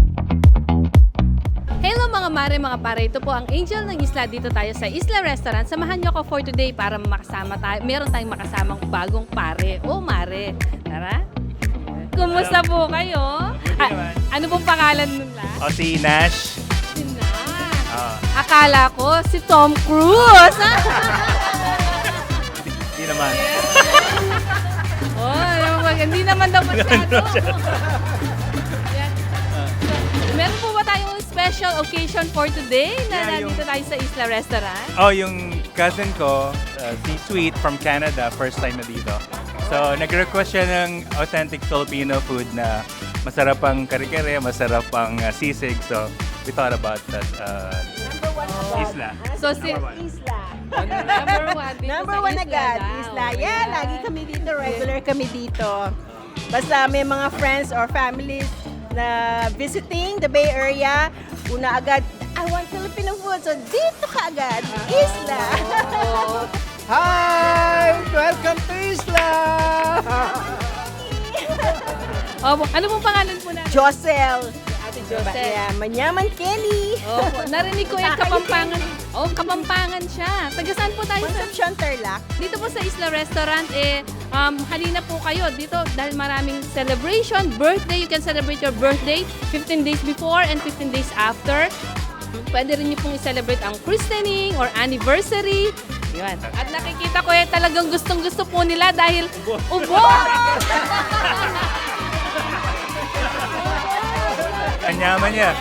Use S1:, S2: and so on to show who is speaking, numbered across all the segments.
S1: Hello mga mare, mga pare. Ito po ang Angel ng Isla. Dito tayo sa Isla Restaurant. Samahan niyo ako for today para makasama tayo. Meron tayong makasamang bagong pare o mare. Tara. Kumusta po kayo? Ano pong pangalan nila?
S2: O si Nash.
S1: Si Nash.
S2: Ah,
S1: Akala ko si Tom Cruise.
S2: Hindi naman.
S1: Hindi naman daw masyado. Yan. Meron po ba tayong special occasion for today na
S2: Yeah,
S1: nandito tayo sa Isla Restaurant?
S2: Oh, yung cousin ko, si Sweet from Canada, first time na dito. So, nag-request siya ng authentic Filipino food na masarap ang kare-kare, masarap ang sisig. So, we thought about that isla.
S1: So, si
S2: Number one.
S3: Isla.
S1: number one dito
S3: Number
S1: sa
S3: one
S1: Isla
S3: agad,
S1: daw.
S3: Isla. Yeah, lagi kami dito, regular kami dito. Basta may mga friends or families na visiting the Bay Area, una agad, I want Filipino food. So, dito ka agad, Isla.
S1: Oo.
S4: Hi! Welcome to Isla!
S1: Ano pong pangalan po natin?
S3: Josel.
S1: Ate Joseph.
S3: Yeah, Manyaman Kelly.
S1: Opo, narinig ko yung Kapampangan. Oh, Kapampangan siya. Taga saan po tayo?
S3: Concepcion Tarlac.
S1: Dito po sa Isla Restaurant, halina po kayo dito dahil maraming celebration, birthday, you can celebrate your birthday 15 days before and 15 days after. Pwede rin niyo pong i-celebrate ang christening or anniversary. Yun. At nakikita ko talagang gustong-gusto po nila dahil ubo!
S2: Ang yaman niya.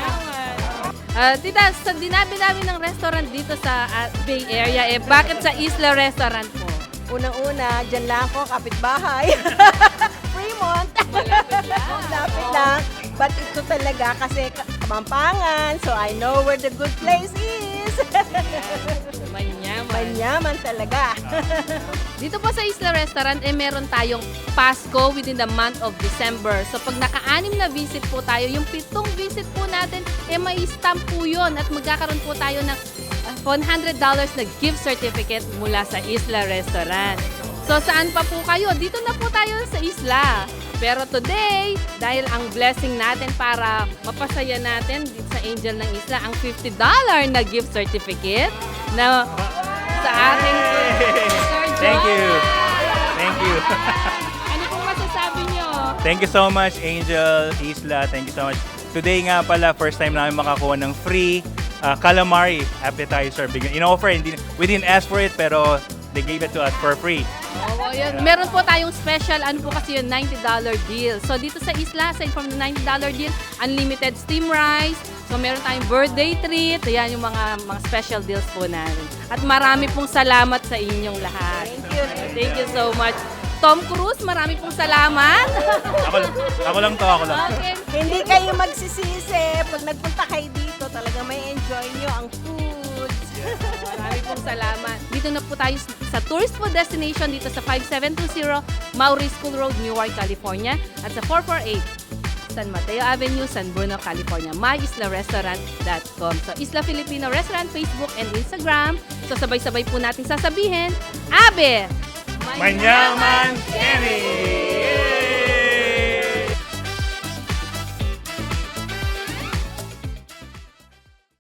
S1: Tita, sa dinabi-dami ng restaurant dito sa Bay Area, bakit sa Isla Restaurant po?
S3: Unang-una, dyan lang ako, kapitbahay. Fremont.
S1: Malapit lang.
S3: Lapit lang. But ito talaga kasi Kapampangan, so I know where the good place is.
S1: Manyaman.
S3: Manyaman talaga.
S1: Dito po sa Isla Restaurant, meron tayong Pasko within the month of December. So pag naka-anim na visit po tayo, yung 7 visit po natin, may stamp po yun at magkakaroon po tayo ng $100 na gift certificate mula sa Isla Restaurant. So saan pa po kayo? Dito na po tayo sa Isla. Pero today, dahil ang blessing natin para mapasaya natin dito sa Angel ng Isla, ang $50 na gift certificate na sa ating Sir John.
S2: Thank you. Thank you.
S1: Ano pong masasabi nyo?
S2: Thank you so much, Angel, Isla. Thank you so much. Today nga pala, first time namin makakuha ng free calamari appetizer. In-offer, we didn't ask for it, pero they gave it to us for free.
S1: Oo, yun. Meron po tayong special, ano po kasi yun, $90 deal. So dito sa Isla, aside from the $90 deal, unlimited steam rice. So meron tayong birthday treat. Ayan yung mga special deals po namin. At marami pong salamat sa inyong lahat.
S3: Thank you.
S1: Thank you so much. Tom Cruise, marami pong salamat.
S2: Ako lang to, ako lang.
S1: Okay.
S3: Hindi kayo magsisisi. Pag nagpunta kayo dito, talaga may enjoy nyo ang foods.
S1: Marami pong salamat. Dito na po tayo sa tourist food destination dito sa 5720 Maury School Road, Newark, California at sa 448 San Mateo Avenue, San Bruno, California. MyIslaRestaurant.com. So Isla Filipino Restaurant, Facebook and Instagram. So sabay-sabay po natin sasabihin, Abe!
S2: Manyaman Kenny!